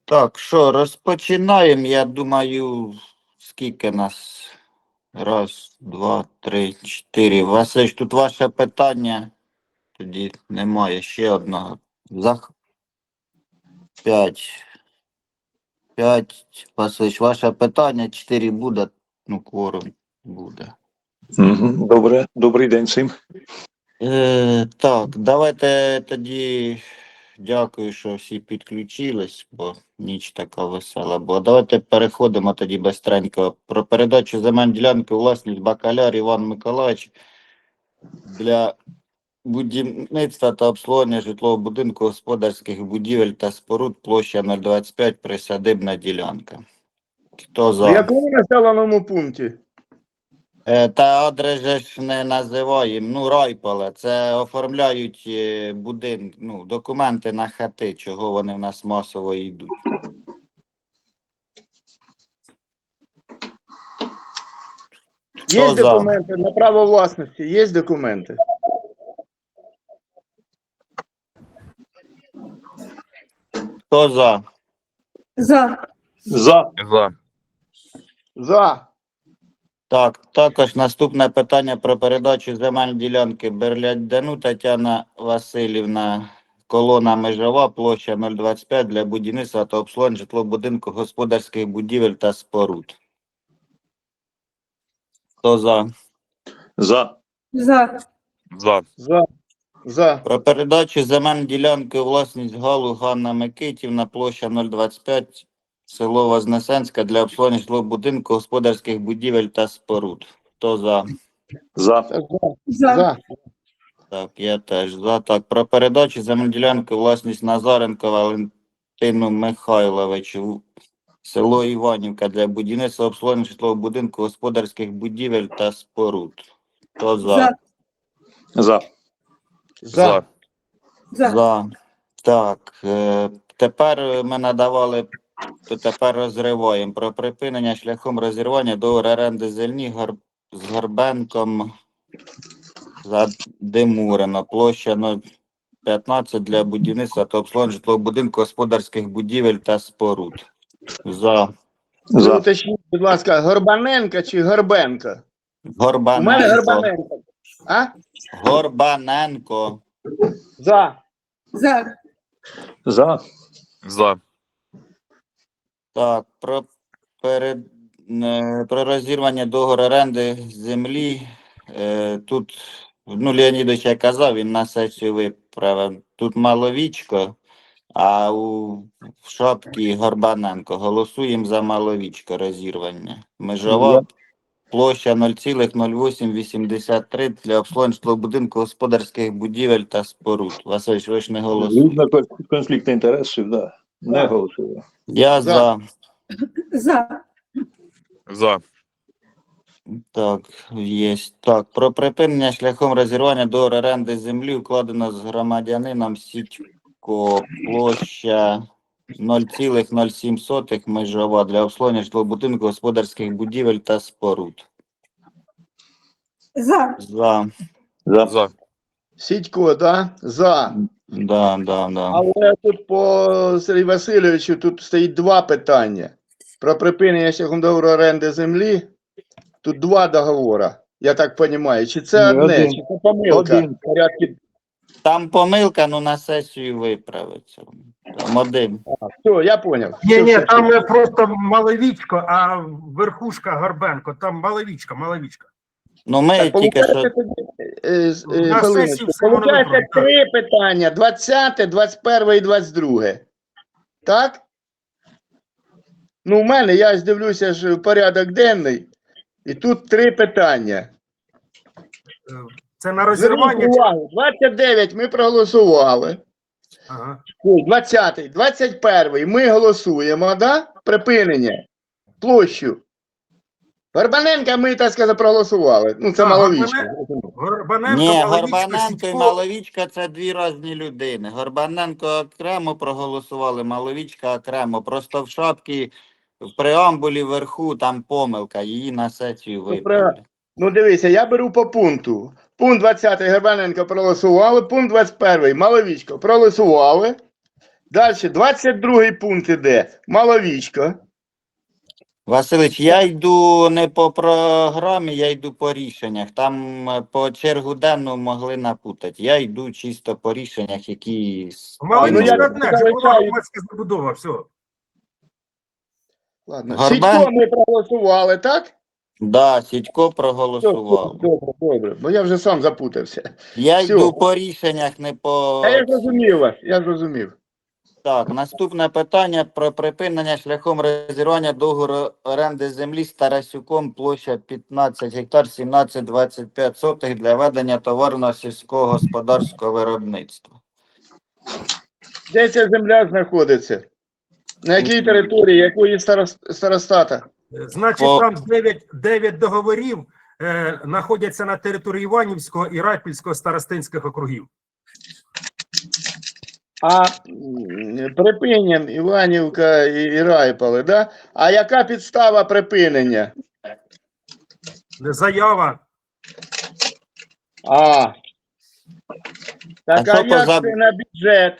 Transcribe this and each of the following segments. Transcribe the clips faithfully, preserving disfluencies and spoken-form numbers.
Так, що, розпочинаємо. Я думаю, скільки нас? Раз, два, три, чотири. Василь, тут ваше питання. Тоді немає ще одного. Зах... П'ять. П'ять. Василь, ваше питання. Чотири буде. Ну, кворум буде. Угу. Добре, добрий день всім. Е, так, давайте тоді. Дякую, що всі підключились, бо ніч така весела. Бо давайте переходимо тоді бистренько. Про передачу земель ділянки у власність Бакаляр Іван Миколаївич для будівництва та обслуговування житлового будинку, господарських будівель та споруд, площа нуль двадцять п'ять, присадибна ділянка. Хто В за? якому населеному пункті? Е, Та адреси ж не називаємо, ну, райполе, це оформляють е, будин, ну, документи на хати, чого вони в нас масово йдуть. Є Хто за? документи на право власності, є документи. Хто за? За. За. За. За. Так, також наступне питання про передачу земель ділянки Берлядяну Тетяна Васильівна, колона Межова, площа нуль двадцять п'ять для будівництва та обслуговування житлового будинку, господарських будівель та споруд. Хто за? За. За. За. За. За. Про передачу земель ділянки у власність Галу Ганна Микитівна, площа нуль двадцять п'ять, село Вознесенська для обслуговування житлового будинку, господарських будівель та споруд. Хто за? За. За. За. За. Так, я теж за. Так, про передачу земель ділянки у власність Назаренко Валентину Михайловичу, село Іванівка для будівництва обслуговування житлового будинку, господарських будівель та споруд. Хто за? За. За. За. За. За. Так, е, тепер ми надавали, то тепер розриваємо про припинення шляхом розірвання договору оренди землі Гар... з Горбенком за Демурено, площа нуль п'ятнадцять для будівництва та обслуговування житлового будинку, господарських будівель та споруд. За. Ви За. уточніть, будь ласка, Горбаненка чи Горбенко? У мене Горбаненко. Горбаненко. А? Горбаненко. За. За. За. За. Так, про, перед, е, про розірвання договору оренди землі. Е, тут, ну, Леонідович я казав, він на сесію виправив. Тут Маловічко, а у в шапці Горбаненко. Голосуємо за Маловічко розірвання. Межова площа нуль цілих нуль вісім вісімдесят три для обслуговування житлового будинку, господарських будівель та споруд. Василь, ви ж не голосуєте. Видно конфлікт інтересів, да. Не Так. голосую. Я За. за. За. За. Так, є. Так, про припинення шляхом розірвання договору оренди землі укладено з громадянином Сідько, площа нуль цілих нуль сім межова для обслуговування житлового будинку, господарських будівель та споруд. За. За. За. За. Сідько, да? За. Да, да, да. Але тут по Сергію Васильовичу тут стоїть два питання. Про припинення шляхом договору оренди землі. Тут два договори, я так розумію. Чи це Ні, одне, один. чи це помилка? Один. В порядку. Там помилка, ну на сесію виправиться. Там один. Все, я зрозумів. Ні, ні, там не просто Маловічко, а верхушка Горбенко. Там Маловічка, Маловічка. Ну ми Так, тільки що. получається, тоді, е, з- е, На хвилиночку. сесії все воно Получається виправить, так. три питання: двадцяте, двадцять перше і двадцять друге. Так? Ну, у мене, я ж дивлюся ж в порядок денний, і тут три питання. Е, Це на Зверніть розірвання. чи- увагу, двадцять дев'ять ми проголосували. Ага. Ой, двадцятий, двадцять перший ми голосуємо, да? Припинення. Площу. Горбаненка ми, так сказати, проголосували. Ну, це А, маловічко. Горбаненко, Ні, Маловічко, Горбаненко і Сідько. Маловічка це дві різні людини. Горбаненко окремо проголосували, Маловічка окремо. Просто в шапці, в преамбулі вверху там помилка, її на сесію виправили. Ну, дивися, я беру по пункту. Пункт двадцятий Горбаненко проголосували, пункт двадцять перший Маловічко проголосували. Далі, двадцять другий пункт іде. Маловічко. Василич, я йду не по програмі, я йду по рішеннях. Там е, по чергу денну могли напутати. Я йду чисто по рішеннях, які Маловічка ну, я- одне, вже була громадська забудова, все. Ладно. Горбан? Сідько ми проголосували, так? Да, Сідько Все, проголосував. добре, добре, бо я вже сам запутався. Я Всьо. йду по рішеннях, не по... А я зрозумів вас, я зрозумів. Так, наступне питання про припинення шляхом розірвання договору оренди землі з Тарасюком, площа п'ятнадцять гектар, сімнадцять двадцять п'ять сотих для ведення товарного сільського господарського виробництва. Де ця земля знаходиться? На якій території, якої старос- старостата? Значить, По- там дев'ять, дев'ять договорів е, знаходяться на території Іванівського і Райпільського старостинських округів. А м, припинен Іванівка і, і Райполе, да? А яка підстава припинення? Заява. А. Так, А а, що по як за- це на бюджет?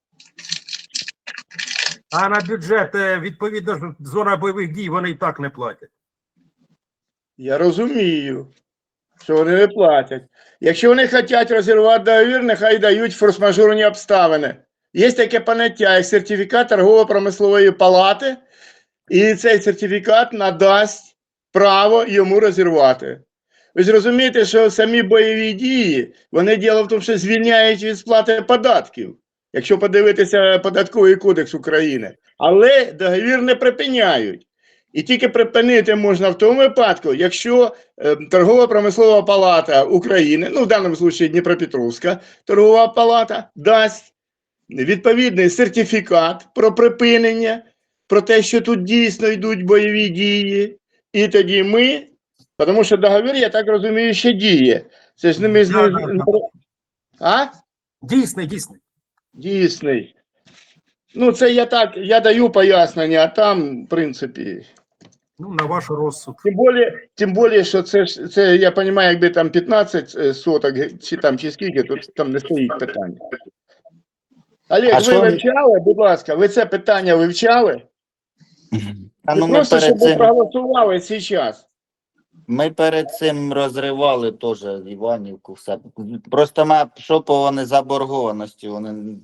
А на бюджет, е, відповідно, ж зона бойових дій, вони і так не платять. Я розумію, що вони не платять. Якщо вони хочуть розірвати договір, нехай дають форс-мажорні обставини. Є таке поняття, як сертифікат торгово-промислової палати, і цей сертифікат надасть право йому розірвати. Ви ж розумієте, що самі бойові дії, вони діло в тому, що звільняють від сплати податків, якщо подивитися Податковий кодекс України. Але договір не припиняють. І тільки припинити можна в тому випадку, якщо е, Торгово-промислова палата України, ну в даному випадку Дніпропетровська торгова палата, дасть відповідний сертифікат про припинення, про те, що тут дійсно йдуть бойові дії. І тоді ми, тому що договір, я так розумію, ще діє. Це ж не ми з Да, ним- да, да. А? Дійсний, дійсний. Дійсний. Ну, це я так, я даю пояснення, а там, в принципі. Ну, на ваш розсуд. Тим більше, тим більше, що це ж це, я розумію, якби там п'ятнадцять е, соток, ге- чи там чи скільки, то там не стоїть питання. Олег, А ви що- вивчали, будь ласка, ви це питання вивчали? А Чи ну ми просто, щоб перед ви цим, проголосували зараз? ми перед цим розривали теж Іванівку, все. Просто ми, що по вони заборгованості, вони...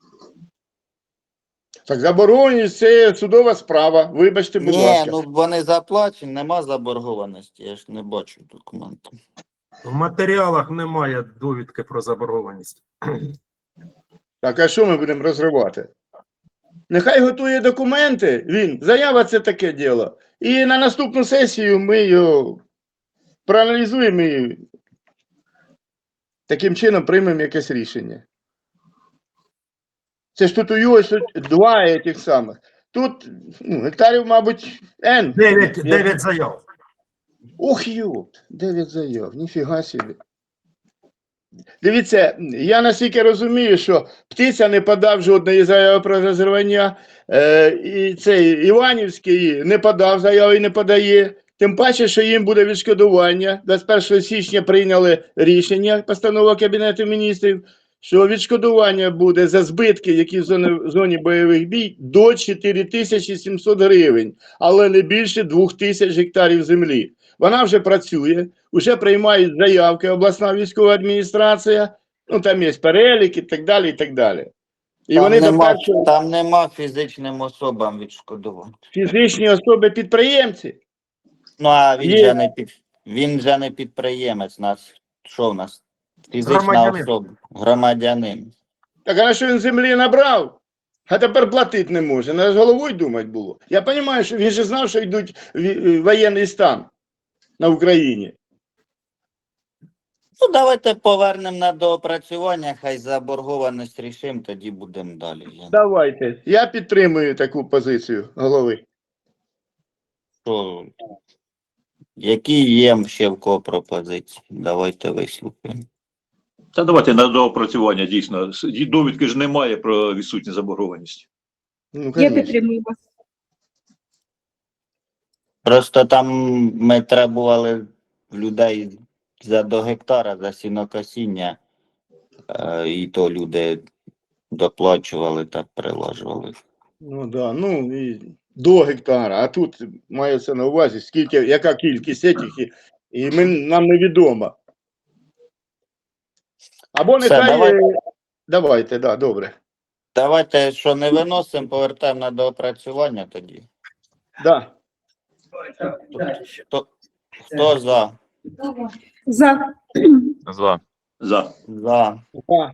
Так забороненість – це судова справа, вибачте, будь Ні, ласка. ну вони заплачені, нема заборгованості, я ж не бачу документу. В матеріалах немає довідки про заборгованість. Так, а що ми будемо розривати? Нехай готує документи, він, заява – це таке діло. І на наступну сесію ми його проаналізуємо і таким чином приймемо якесь рішення. Це ж тут у його ж тут два тих самих. Тут ну, гектарів, мабуть, N. Дев'ять, дев'ять заяв. Ух, йопт, дев'ять заяв, ніфіга собі. Дивіться, я наскільки розумію, що Птиця не подав жодної заяви про розірвання, е, і цей Іванівський не подав заяви і не подає. Тим паче, що їм буде відшкодування. двадцять першого січня прийняли рішення, постанова Кабінету міністрів, що відшкодування буде за збитки, які в зоні, в зоні бойових дій, до чотири тисячі сімсот гривень, але не більше двох тисяч гектарів землі. Вона вже працює, вже приймають заявки обласна військова адміністрація, ну там є перелік і так далі, і так далі. І Там вони до нема, першого там нема фізичним особам відшкодування. фізичні особи-підприємці. Ну, а він Є. же не під, він же не підприємець, нас, що в нас? Фізична Громадянин. особа, громадянин. Так а на що він землі набрав? А тепер платити не може. Треба з головою думати було. Я розумію, що він же знав, що йдуть ві- воєнний стан на Україні. Ну, давайте повернемо на доопрацювання, хай заборгованість рішимо, тоді будемо далі. Я- Давайте. Я підтримую таку позицію голови. Що, які є ще в кого пропозиції? Давайте вислухаємо. Та давайте на доопрацювання дійсно. С- Довідки ж немає про відсутність заборгованості. Ну, Я конечно. підтримую вас. Просто там ми требували в людей за до гектара, за сінокосіння, е, і то люди доплачували, так прилажували. Ну да, ну і до гектара. А тут мається на увазі, скільки, яка кількість этих, і, і ми, нам невідомо. Або Все, нехай. давайте. е, Давайте, да, добре. Давайте, що не виносимо, повертаємо на доопрацювання тоді. Да. Хто, хто за? За. За. За. За. Да.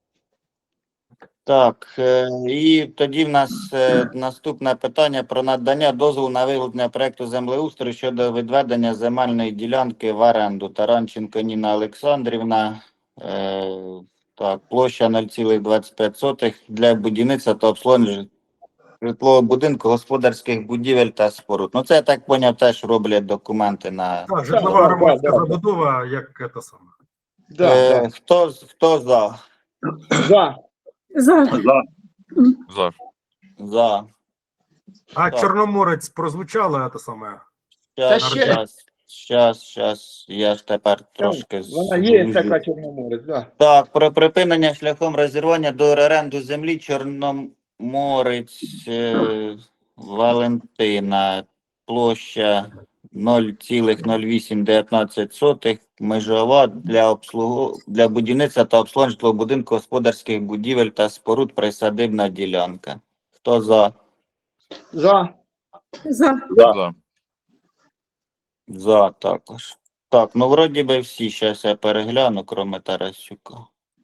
Так, е, і тоді в нас е, наступне питання про надання дозволу на виготовлення проекту землеустрою щодо відведення земельної ділянки в оренду. Таранченко Ніна Олександрівна. Е, так, площа нуль цілих двадцять п'ять сотих для будівництва та обслуговування житлового будинку, господарських будівель та споруд. Ну це, я так поняв, теж роблять документи на... Так, житлова да, громадська да, да. забудова, як це саме. Да, Е, да. хто, хто за? За. За. За. За. За. А Так. Чорноморець прозвучало це саме. Щас, Та ще- щас, щас, щас, я ж тепер трошки... Вона є звужу. така Чорноморець, да. Так, про припинення шляхом розірвання до оренду землі Чорноморець е, Валентина, площа нуль цілих нуль вісім один дев'ять сотих, межова для обслугу для будівництва та обслуговування житлового будинку, господарських будівель та споруд, присадибна ділянка. Хто за? За. За. За. За також. Так, ну вроді би всі, зараз я перегляну, кроме Тарасюка.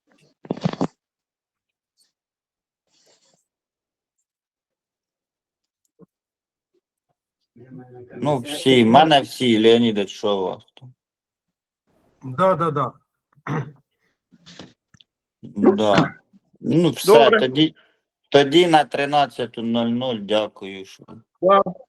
Ну, всі, в мене всі, Леонідович, що у вас там? Да, да, да. Да. Ну, все, Добре. тоді, тоді на тринадцяту нуль нуль, дякую. Що... Да.